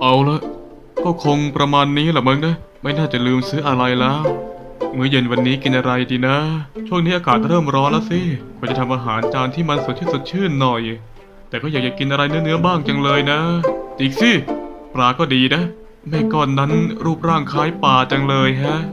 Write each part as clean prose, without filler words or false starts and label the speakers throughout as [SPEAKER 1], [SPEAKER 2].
[SPEAKER 1] เอาละก็คงประมาณนี้แหละมั้งนะไม่น่าจะลืมซื้ออะไรแล้วมื้อเย็นวันนี้กินอะไรดีนะช่วงนี้อากาศเริ่มร้อนแล้วสิควรจะทำอาหารจานที่มันสดชื่นหน่อยแต่ก็อยากจะกินอะไรเนื้อบ้างจังเลยนะอีกสิปลาก็ดีนะแม่ก้อนนั้นรูปร่างคล้ายปลาจังเลยฮะ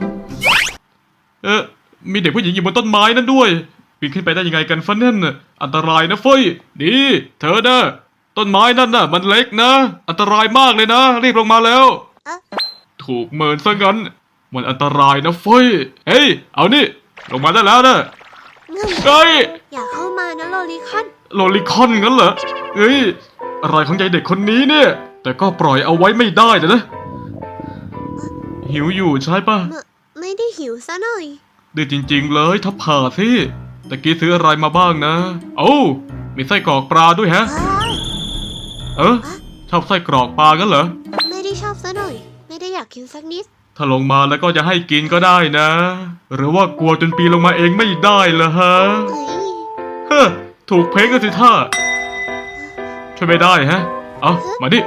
[SPEAKER 1] มีเด็กผู้หญิงอยู่บนต้นไม้นั่นด้วยปีนขึ้นไปได้ยังไงกันฟันนั่นอันตรายนะเฟ้ยดีเธอนะต้นไม้นั่นน่ะมันเล็กนะอันตรายมากเลยนะรีบลงมาแล้วถูกเมินซะงั้นมันอันตรายนะเฟ้ยเฮ้ยเอานี่ลงมาได้แล้วนะเฮ้ย
[SPEAKER 2] อย่าเข้ามานะโลลิคอน
[SPEAKER 1] โลลิคอนงั้นเหรอเฮ้ยอะไรของยายเด็กคนนี้เนี่ยแต่ก็ปล่อยเอาไว้ไม่ได้นะหิวอยู่ใช่ปะ
[SPEAKER 2] ไม่ได้หิวซะหน่อย
[SPEAKER 1] ดื้อจริงๆเลยทับผ่าสิตะกี้ซื้ออะไรมาบ้างนะโอ้มีไส้กรอกปลาด้วยฮะชอบไส้กรอกปลากันเหรอ
[SPEAKER 2] ไม่ได้ชอบซะหน่อยไม่ได้อยากกินสักนิด
[SPEAKER 1] ถ้าลงมาแล้วก็จะให้กินก็ได้นะหรือว่ากลัวจนปีนลงมาเองไม่ได้เหรอฮะถูกเพ้งกันสิท่าช่วยไม่ได้ฮะเอามาดิ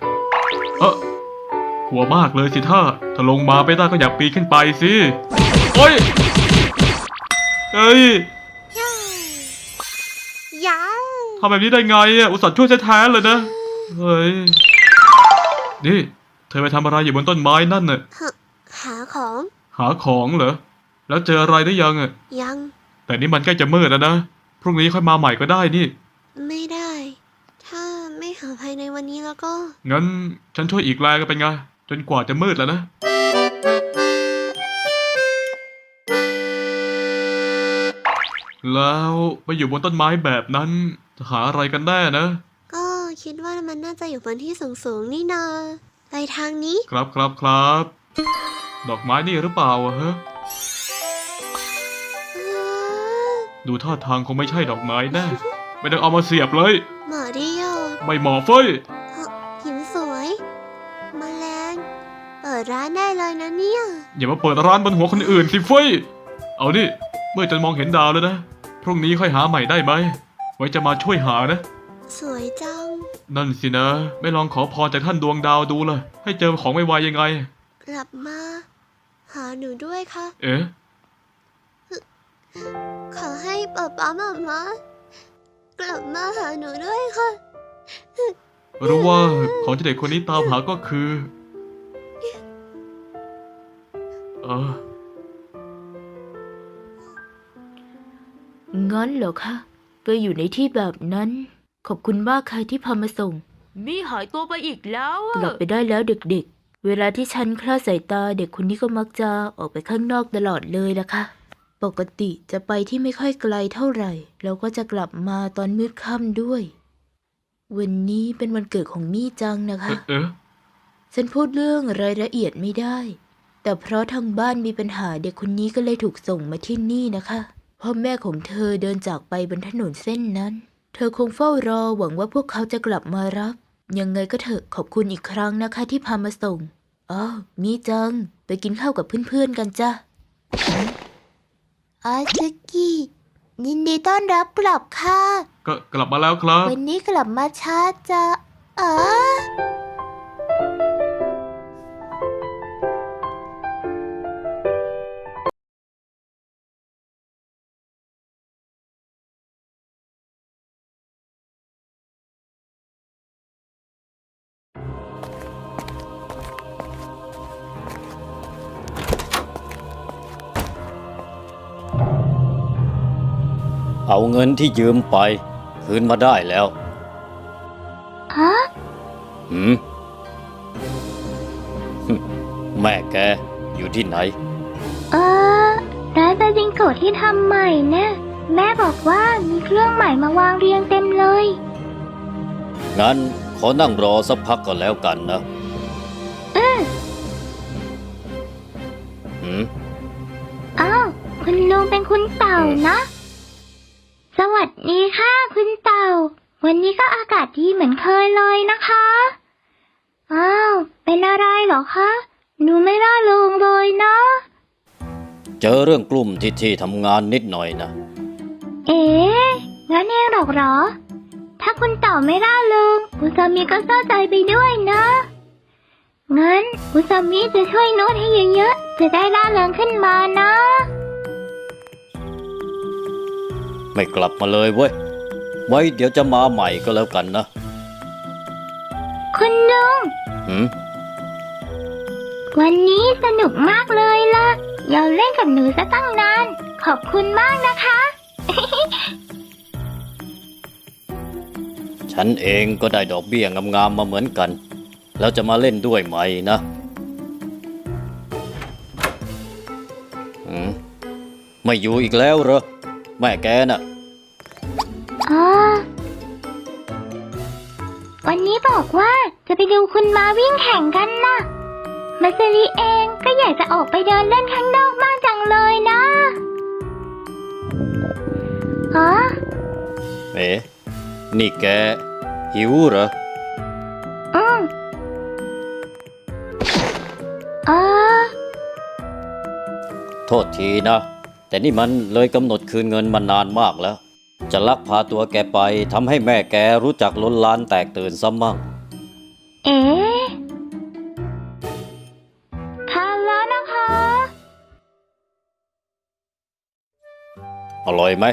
[SPEAKER 1] กลัวมากเลยสิท่าถ้าลงมาไม่ได้ก็อย่าปีนขึ้นไปสิโอ้ยเฮ้ยทำแบบนี้ได้ไงอ่ะอุตส่าห์ช่วยแท้ๆเลยนะเฮ้ยนี่เธอไปทำอะไรอยู่บนต้นไม้นั่นน่ะ
[SPEAKER 2] หาของ
[SPEAKER 1] เหรอแล้วเจออะไรได้ยังอ่ะ
[SPEAKER 2] ยัง
[SPEAKER 1] แต่นี่มันใกล้จะมืดแล้วนะพรุ่งนี้ค่อยมาใหม่ก็ได้นี่
[SPEAKER 2] ไม่ได้ถ้าไม่หาภายในวันนี้แล้วก็
[SPEAKER 1] งั้นฉันช่วยอีกแรงก็เป็นไงจนกว่าจะมืดแล้วนะแล้วไปอยู่บนต้นไม้แบบนั้นจะหาอะไรกันแน่นะ
[SPEAKER 2] ก็คิดว่ามันน่าจะอยู่บนที่สูงๆนี่นาไปทางนี้
[SPEAKER 1] ครับดอกไม้นี่หรือเปล่าฮะดูท่าทางคงไม่ใช่ดอกไม้แน่ไม่ต้องเอามาเสียบเลย
[SPEAKER 2] หมอเดียว
[SPEAKER 1] ไม่หมอเฟ้ย
[SPEAKER 2] หินสวยแมลงเปิดร้านได้เลยนะเนี่ย
[SPEAKER 1] อย่ามาเปิดร้านบนหัวคนอื่นสิเฟ้ยเอานี่เมื่อจะมองเห็นดาวแล้วนะพรุ่งนี้ค่อยหาใหม่ได้ไหมไว้จะมาช่วยหานะ
[SPEAKER 2] สวยจัง
[SPEAKER 1] นั่นสินะไม่ลองขอพรจากท่านดวงดาวดูเลยให้เจอของไวๆยังไง
[SPEAKER 2] กลับมาหาหนูด้วยค่ะขอให้ป๊าป๊าม่ากลับมาหาหนูด้วยค่ะ
[SPEAKER 1] รู้ว่าของที่เด็กคนนี้ตามหาก็คือ
[SPEAKER 3] งั้นเหรอคะไปอยู่ในที่แบบนั้นขอบคุณมากค่ะที่พามาส่งมีหายตัวไปอีกแล้วกลับไปได้แล้วเด็กๆเวลาที่ฉันคลาดสายตาเด็กคนนี้ก็มักจะออกไปข้างนอกตลอดเลยนะคะปกติจะไปที่ไม่ค่อยไกลเท่าไหร่แล้วก็จะกลับมาตอนมืดค่ำด้วยวันนี้เป็นวันเกิดของมี่จังนะคะฉันพูดเรื่องรายละเอียดไม่ได้แต่เพราะทางบ้านมีปัญหาเด็กคนนี้ก็เลยถูกส่งมาที่นี่นะคะพ่อแม่ของเธอเดินจากไปบนถนนเส้นนั้นเธอคงเฝ้ารอหวังว่าพวกเขาจะกลับมารับยังไงก็เถอะขอบคุณอีกครั้งนะคะที่พามาส่งมีจังไปกินข้าวกับเพื่อนๆกันจ้ะ
[SPEAKER 2] อาซึกิยินดีต้อนรับกลับค่ะ
[SPEAKER 1] ก็กลับมาแล้วครับ
[SPEAKER 2] วันนี้กลับมาช้าจ้ะ
[SPEAKER 4] เอาเงินที่ยืมไปคืนมาได้แล้วแม่แกอยู่ที่ไหน
[SPEAKER 5] ร้านปาจิงโกะที่ทำใหม่นะแม่บอกว่ามีเครื่องใหม่มาวางเรียงเต็มเลย
[SPEAKER 4] งั้นขอนั่งรอสักพักก่อนแล้วกันนะ
[SPEAKER 5] คุณลุงเป็นคุณเต่านะสวัสดีค่ะคุณเต่าวันนี้ก็อากาศดีเหมือนเคยเลยนะคะเป็นอะไรเหรอคะหนูไม่ร่าเริงเลยนะ
[SPEAKER 4] เจอเรื่องกลุ่มที่ทำงานนิดหน่อยนะ
[SPEAKER 5] งั้นเองหรอถ้าคุณเต่าไม่ร่าเริงคุณสามีก็เศร้าใจไปด้วยนะงั้นอุซามิจะช่วยโน้ตให้เยอะๆ จะได้ร่าเริงขึ้นมานะ
[SPEAKER 4] ไม่กลับมาเลยเว้ย ไว้เดี๋ยวจะมาใหม่ก็แล้วกันนะ
[SPEAKER 5] คุณลุง
[SPEAKER 4] หืม
[SPEAKER 5] วันนี้สนุกมากเลยล่ะอย่าเล่นกับหนูซะตั้งนาน ขอบคุณมากนะคะ
[SPEAKER 4] ฉันเองก็ได้ดอกเบี้ยงามๆมาเหมือนกัน แล้วจะมาเล่นด้วยไหมนะไม่อยู่อีกแล้วเหรอ แม่แกน่ะ
[SPEAKER 5] อ๋อ วันนี้บอกว่าจะไปดูคุณมาวิ่งแข่งกันนะมาซาริเองก็อยากจะออกไปเดินเล่นข้างนอกมากจังเลยนะอ๋อ
[SPEAKER 4] เอ๊ะนี่แกหิวเหรอ
[SPEAKER 5] อืมอ๋อ
[SPEAKER 4] โทษทีนะ แต่นี่มันเลยกำหนดคืนเงินมานานมากแล้ว จะลักพาตัวแกไปทำให้แม่แกรู้จักล้นลานแตกตื่นซะมั่ง
[SPEAKER 5] เอ๊ะทานแล้วนะคะ
[SPEAKER 4] อร่อยไหม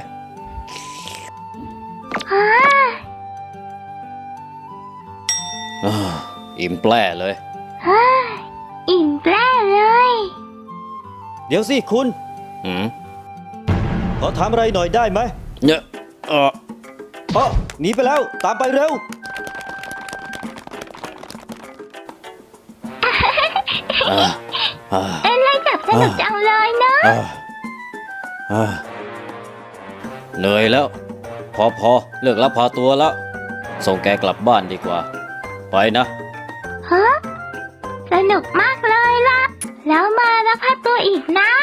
[SPEAKER 5] ฮ่า
[SPEAKER 4] อิ่มแปร่เลย
[SPEAKER 5] ฮ่าอิ่มแปร่เลย
[SPEAKER 4] เดี๋ยวสิคุณขอถามอะไรหน่อยได้ไหมเนี่ยหนีไปแล้วตามไปเร็ว
[SPEAKER 5] เล่นจับสนุกจังเลยเนอะ
[SPEAKER 4] เหนื่อยแล้ว พอเลิกลักพาตัวแล้ว ส่งแกกลับบ้านดีกว่า ไปนะ
[SPEAKER 5] ฮะสนุกมากเลยล่ะ แล้วมาแล้วพาตัวอีกนะ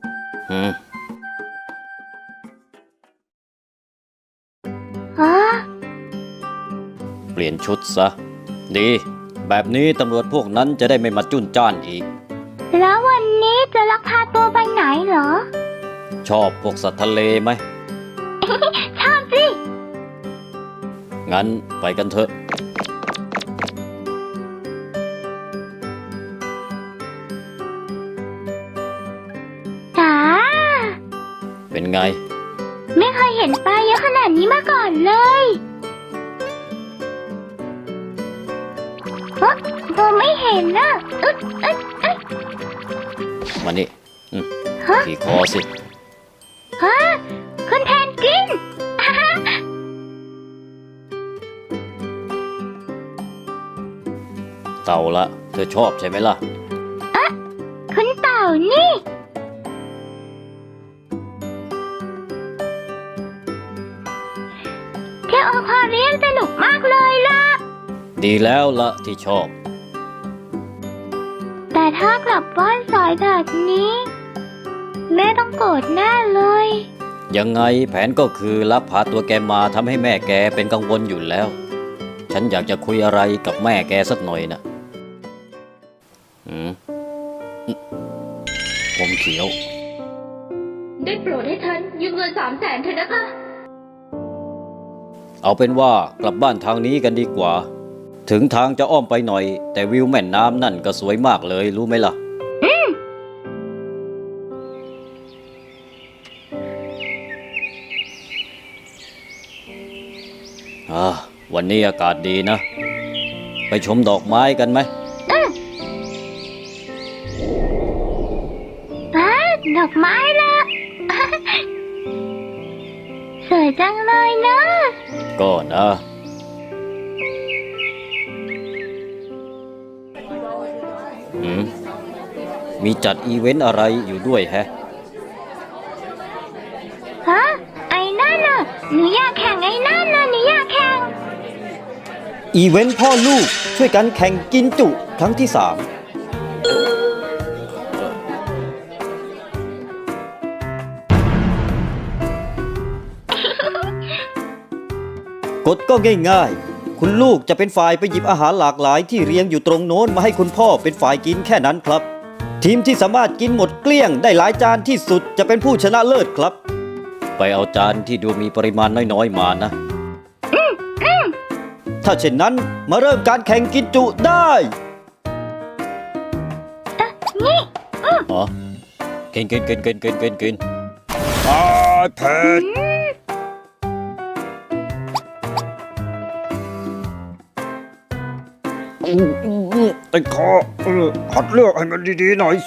[SPEAKER 5] ฮะ
[SPEAKER 4] เปลี่ยนชุดซะ ดี แบบนี้ตำรวจพวกนั้นจะได้ไม่มาจุ้นจ้านอีก
[SPEAKER 5] แล้ววันนี้จะลักพาตัวไปไหนเหรอ
[SPEAKER 4] ชอบพวกสัตว์ทะเลไหม
[SPEAKER 5] ชอบสิ
[SPEAKER 4] งั้นไปกันเถอะ
[SPEAKER 5] จ๋า
[SPEAKER 4] เป็นไง
[SPEAKER 5] ไม่เคยเห็นปลาเยอะขนาดนี้มาก่อนเลยตัวไม่เห็นนะอึ๊ด
[SPEAKER 4] มานี่
[SPEAKER 5] ฮะ
[SPEAKER 4] ขี่คอสิ
[SPEAKER 5] ฮะคุณแพนกวิน
[SPEAKER 4] เต่าละ เธอชอบใช่ไหมล่ะ
[SPEAKER 5] คุณเต่านี่ เที่ยวอควาเรียมสนุกมากเลยล่ะ
[SPEAKER 4] ดีแล้วละที่ชอบ
[SPEAKER 5] แต่ถ้ากลับบ้านสายแบบนี้ แม่ต้องโกรธแน่เลย
[SPEAKER 4] ยังไงแผนก็คือลักพาตัวแกมาทำให้แม่แกเป็นกังวลอยู่แล้ว ฉันอยากจะคุยอะไรกับแม่แกสักหน่อยนะผมเขียว
[SPEAKER 3] ได้โปรดให้ฉันยืมเงิน300,000เถอะนะคะ
[SPEAKER 4] เอาเป็นว่ากลับบ้านทางนี้กันดีกว่า ถึงทางจะอ้อมไปหน่อย แต่วิวแม่น้ำนั่นก็สวยมากเลยรู้ไหมล่ะ วันนี้อากาศดีนะ ไปชมดอกไม้กันไหม
[SPEAKER 5] ดอกไม้ล่ะ สวยจังเลยนะ
[SPEAKER 4] ก็นะ มีจัดอีเวนต์อะไรอยู่ด้วยแฮะ
[SPEAKER 5] ฮะ ไอ้นั่นน่ะ หนูอยากแข่งไอ้นั่นน่ะหนูอยากแข่ง
[SPEAKER 4] อีเวนต์พ่อลูกช่วยกันแข่งกินจุครั้งที่ 3กฎก็ง่ายๆ คุณลูกจะเป็นฝ่ายไปหยิบอาหารหลากหลายที่เรียงอยู่ตรงโน้นมาให้คุณพ่อเป็นฝ่ายกินแค่นั้นครับ ทีมที่สามารถกินหมดเกลี้ยงได้หลายจานที่สุดจะเป็นผู้ชนะเลิศครับ ไปเอาจานที่ดูมีปริมาณน้อยๆมานะ ถ้าเช่นนั้นมาเริ่มการแข่งกินจุได้
[SPEAKER 5] นี่
[SPEAKER 4] อ๋อกินเผ็ดติดคอหัดเลือกให้มันดีๆหน่อยสิ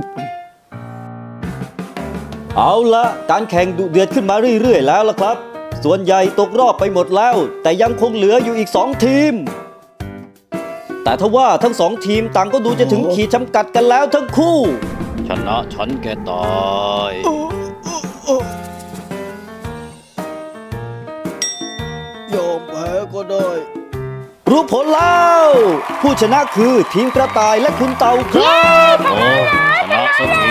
[SPEAKER 4] เอาละการแข่งดุเดือดขึ้นมาเรื่อยๆแล้วล่ะครับ ส่วนใหญ่ตกรอบไปหมดแล้ว แต่ยังคงเหลืออยู่อีก2ทีม แต่ทว่าทั้ง2ทีมต่างก็ดูจะถึงขีดจำกัดกันแล้วทั้งคู่ ชนะฉันแกตายยอมแพ้ก็ได้ รู้ผลแล้ว ผู้ชนะคือทีมกระต่ายและคุณเต่าครับโอ้ชนะสักที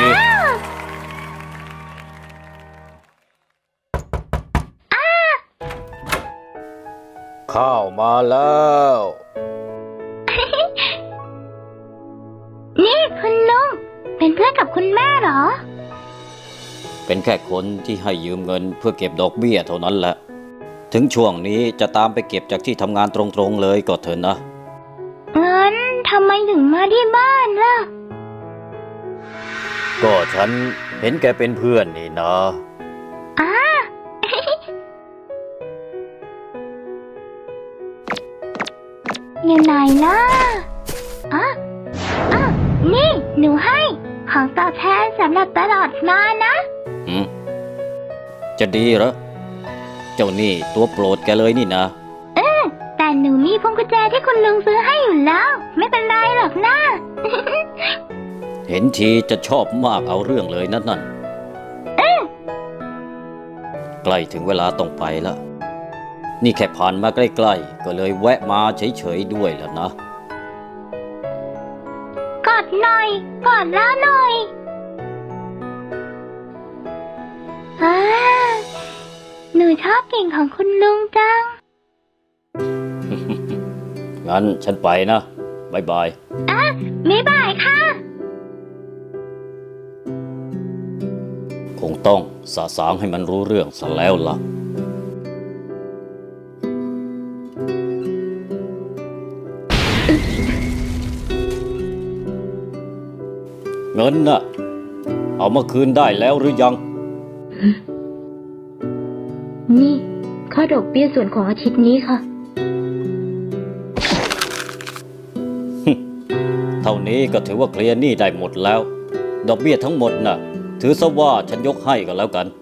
[SPEAKER 4] ข้าวมาแล้ว
[SPEAKER 5] นี่คุณลุง เป็นเพื่อนกับคุณแม่เหรอ
[SPEAKER 4] เป็นแค่คนที่ให้ยืมเงินเพื่อเก็บดอกเบี้ยเท่านั้นแหละ ถึงช่วงนี้จะตามไปเก็บจากที่ทำงานตรงๆเลยก็เถอะนะ
[SPEAKER 5] งั้นทำไมถึงมาที่บ้านล่ะ
[SPEAKER 4] ก็ฉันเห็นแกเป็นเพื่อนนี่นะ
[SPEAKER 5] อ้า อยู่ไหนนะนี่หนูให้ของตอบแทนสำหรับตลอดมานะ
[SPEAKER 4] จะดีเหรอ เจ้านี่ตัวโปรดแกเลยนี่นะ
[SPEAKER 5] แต่หนูมีพวงกุญแจที่คุณลุงซื้อให้อยู่แล้ว ไม่เป็นไรหรอกนะ
[SPEAKER 4] เห็นทีจะชอบมากเอาเรื่องเลยนั่นใกล้ถึงเวลาต้องไปแล้ว นี่แค่ผ่านมาใกล้ๆก็เลยแวะมาเฉยๆด้วยแล้วนะ
[SPEAKER 5] กอดหน่อย กอดแล้วหน่อยหนูชอบกลิ่นของคุณลุงจัง
[SPEAKER 4] งั้นฉันไปนะบ๊ายบาย
[SPEAKER 5] บ๊ายบายค่ะ
[SPEAKER 4] คงต้องสะสางให้มันรู้เรื่องซะแล้วล่ะ เงินน่ะ เอามาคืนได้แล้วหรือยัง
[SPEAKER 3] นี่ค่าดอกเบี้ยส่วนของอาทิตย์นี้ค่ะ
[SPEAKER 4] เท่านี้ก็ถือว่าเคลียร์หนี้ได้หมดแล้ว ดอกเบี้ยทั้งหมดน่ะ ถือซะว่าฉันยกให้ก็แล้วกัน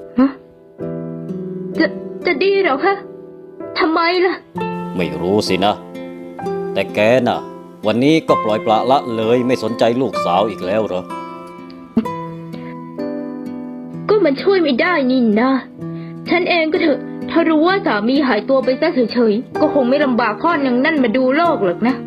[SPEAKER 3] จะดีเหรอคะทำไมล่ะ
[SPEAKER 4] ไม่รู้สินะ แต่แกน่ะ วันนี้ก็ปล่อยปละละเลยไม่สนใจลูกสาวอีกแล้วเหรอ
[SPEAKER 3] ก็มันช่วยไม่ได้นี่นะ ฉันเองก็เถอะ ถ้ารู้ว่าสามีหายตัวไปซะเฉยๆ ก็คงไม่ลำบากพ่อนางนั่นมาดูโลกหรอกนะ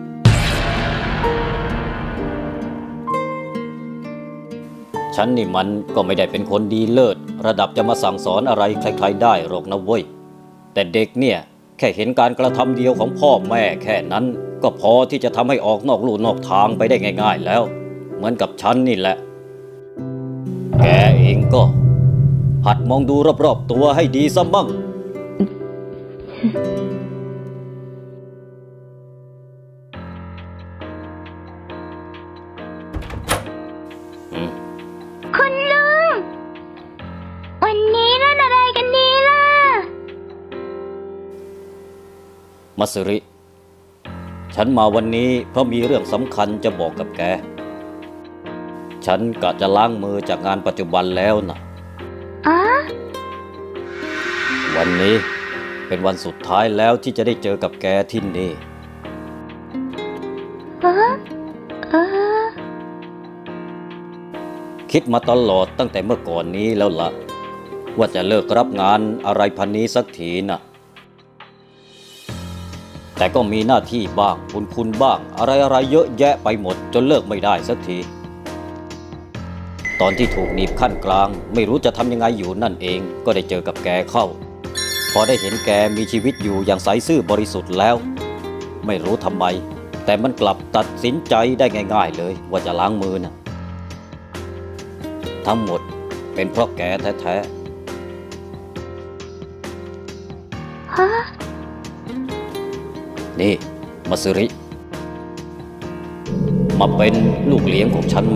[SPEAKER 4] ฉันนี่มันก็ไม่ได้เป็นคนดีเลิศระดับจะมาสั่งสอนอะไรใครๆได้หรอกนะเว้ย แต่เด็กเนี่ยแค่เห็นการกระทำเดียวของพ่อแม่แค่นั้นก็พอที่จะทำให้ออกนอกลู่นอกทางไปได้ง่ายๆแล้ว เหมือนกับฉันนี่แหละ แกเองก็หัดมองดูรอบๆตัวให้ดีซะมั่ง
[SPEAKER 5] คุณลุง วันนี้เล่นอะไรกันดีล่ะ
[SPEAKER 4] มัสริ ฉันมาวันนี้เพราะมีเรื่องสำคัญจะบอกกับแก ฉันกะจะล้างมือจากงานปัจจุบันแล้วนะ วันนี้เป็นวันสุดท้ายแล้วที่จะได้เจอกับแกที่นี่ คิดมาตลอดตั้งแต่เมื่อก่อนนี้แล้วล่ะ ว่าจะเลิกรับงานอะไรพันนี้สักทีน่ะ แต่ก็มีหน้าที่บ้างคุณบ้างอะไรเยอะแยะไปหมดจนเลิกไม่ได้สักที ตอนที่ถูกหนีบขั้นกลางไม่รู้จะทำยังไงอยู่นั่นเองก็ได้เจอกับแกเข้า พอได้เห็นแกมีชีวิตอยู่อย่างใสซื่อบริสุทธิ์แล้ว ไม่รู้ทำไม แต่มันกลับตัดสินใจได้ง่ายๆเลยว่าจะล้างมือนะทั้งหมดเป็นเพราะแกแท้ๆนี่มัสริ มมาเป็นลูกเลี้ยงของฉันไหม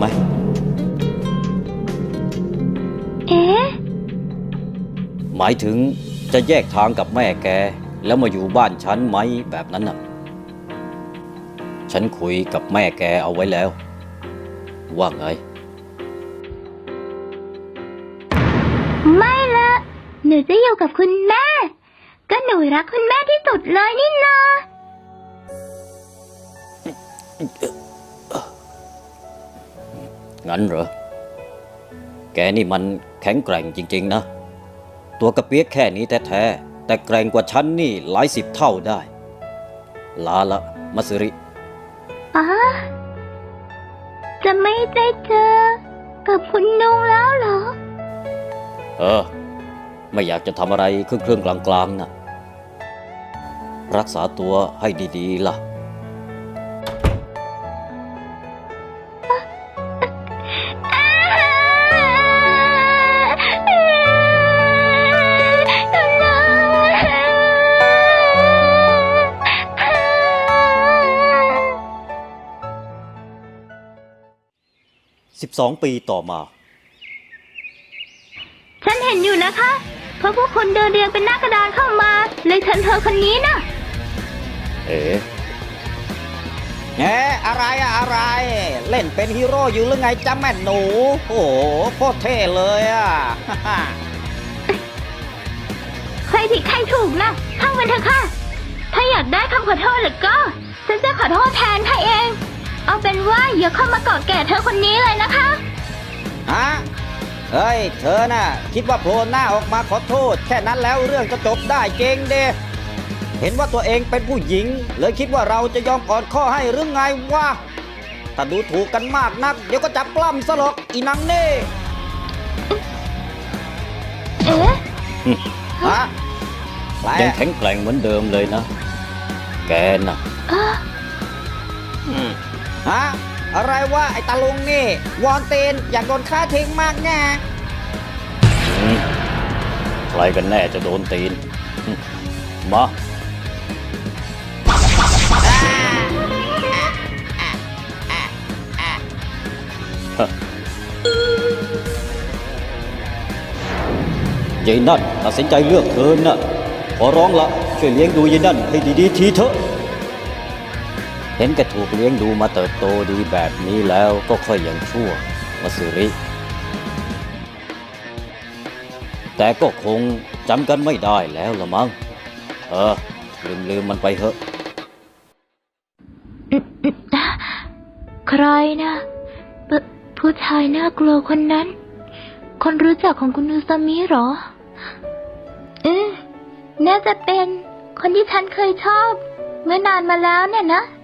[SPEAKER 5] เอ๊ะ
[SPEAKER 4] หมายถึงจะแยกทางกับแม่แก แล้วมาอยู่บ้านฉันไหมแบบนั้นน่ะ ฉันคุยกับแม่แกเอาไว้แล้ว ว่าไง
[SPEAKER 5] ไม่ละหนูจะอยู่กับคุณแม่ ก็หนูรักคุณแม่ที่สุดเลยนี่นา
[SPEAKER 4] งั้นเหรอ แกนี่มันแข็งแกร่งจริงๆนะ ตัวกระเปียกแค่นี้แท้ๆแต่แกร่งกว่าฉันนี่หลาย10 เท่าได้ ลาละมัสริ
[SPEAKER 5] อ๋อจะไม่ได้เจอกับคุณนุงแล้วเหรอ
[SPEAKER 4] ไม่อยากจะทำอะไรเครื่องๆกลางๆนะรักษาตัวให้ดีๆล่ะ 12 ปีต่อมา
[SPEAKER 5] ฉันเห็นอยู่นะคะ เพราะพวกคนเดินเรียงเป็นหน้ากระดานเข้ามา เลยเชิญเธอคนนี้นะ
[SPEAKER 4] เอ๊ะอะไรอะไร เล่นเป็นฮีโร่อยู่หรือไงจ๊ะแม่หนู โอ้โหโคตรเท่เลยอ่ะ
[SPEAKER 5] ใครผิดใครถูกนะช่างมันเถอะค่ะ ถ้าอยากได้คำขอโทษหรือก็ ฉันจะขอโทษแทนให้เอง เอาเป็นว่าอย่าเข้ามาเกาะแก่เธอคนนี้เลยนะคะ
[SPEAKER 4] ฮะ เฮ้ย เธอน่ะ คิดว่าโผล่หน้าออกมาขอโทษ แค่นั้นแล้วเรื่องจะจบได้เจงเดเห็นว่าตัวเองเป็นผู้หญิง เลยคิดว่าเราจะยอมอ่อนข้อให้หรือไงวะ ถ้าดูถูกกันมากนัก เดี๋ยวก็จับปล้ำซะหรอกอีนังเน่
[SPEAKER 5] เอ๊ะ
[SPEAKER 4] ฮะยังแข็งแกร่งเหมือนเดิมเลยนะ แกน่ะ ฮะ อะไรวะไอ้ตาลุงนี่ วอนเตนอยากโดนฆ่าทิ้งมากแน่ใครกันแน่จะโดนตีน มายายนั่นตัดสินใจเลือกเธอน่ะ ขอร้องละช่วยเลี้ยงดูยายนั่นให้ดีๆทีเถอะ เห็นแกถูกเลี้ยงดูมาเติบโตดีแบบนี้แล้วก็ค่อยยังชั่วมัสริ แต่ก็คงจำกันไม่ได้แล้วละมั้ง ลืมมันไปเถอะ
[SPEAKER 5] ใครนะผู้ชายน่ากลัวคนนั้น คนรู้จักของคุณอุซามิเหรอ น่าจะเป็นคนที่ฉันเคยชอบ เมื่อนานมาแล้วเนี่ยนะ